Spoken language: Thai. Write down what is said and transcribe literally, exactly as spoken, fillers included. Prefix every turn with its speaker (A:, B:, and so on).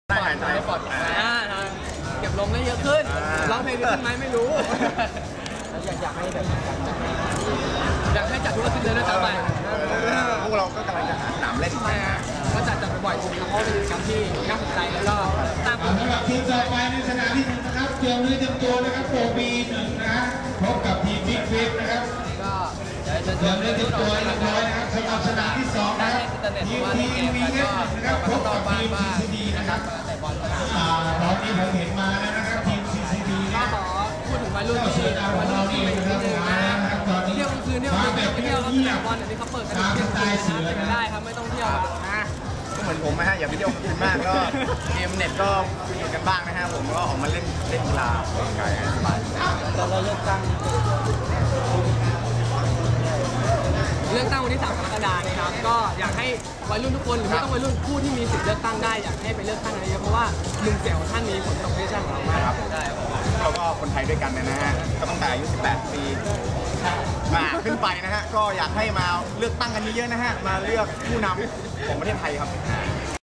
A: ได้หายใจปลอดภัย
B: อ่าเก็บลมได้เยอะขึ้นร้องเพลงได้ขึ้นไหมไม่รู้อยากอยากให้แบบอยากให้จัดทุกอาทิตย์เลยด้วยซ้ำไป
A: พวกเราก็กำลังจะหาสนามเล่น
B: ใช่ฮะก็จัดจัดบ่อยๆจริงๆเพราะเป็นกิจกรรมที่น่าสนใจแล้วก็ตาม
C: สำหรับทีมต่อไปในสนามที่หนึ่งนะครับเตรียมเนื้อเตรียมตัวนะครับโปรบีหนึ่งนะพบกับทีมบิ๊กฟิปนะครับ
B: ก็เดี๋ยวจะ
C: เตรียมเนื้อเตรียมตัวเรียบร้อยนะครับสำหรับสนามที่สองนะครับทีมทีมวีเอสนะครับพบกับทีมซีซีดีนะครับอ่าตอนนี้ผมเห็นมาแล้วนะครับทีมซีซีดี
B: ก็
C: นะ
B: ขอพูดถึงวัยรุ่นที่วัยรุ่นที่เป็นนิดนึงนะเที่ยวกลางคืนเที่ยวกลางคืนไปเที่ยวแล้วสนามบอลเดี๋ยวนี้เขาเปิดกันเที่ยวกลางคืนนะไปได้ครับไม่ต้องเที่ยวนะ
A: ก็เหมือนผมนะฮะอย่าไปเที่ยวคืนมากก็เกมเน็ตก็มีกันบ้างนะฮะผมก็ออกมาเล่นเล่นกีฬาออกกำลังกายสบาย
B: แต่เราเลือกตั้งเลือกตั้งวันที่สามกรกฎาคมนะครับก็อยากให้วัยรุ่นทุกคนหรือไม่ต้องวัยรุ่นผู้ที่มีสิทธิ์เลือกตั้งได้อยากให้ไปเลือกตั้งกันเยอะเพราะว่าลุงเสี่ยวท่านมีผลต่อประเทศชาติของเรามาก
A: ครับเราก็คนไทยด้วยกันนะฮะก็ตั้งแต่อายุสิบแปดปีมาขึ้นไปนะฮะก็อยากให้มาเลือกตั้งกันเยอะๆนะฮะมาเลือกผู้นำของประเทศไทยครับ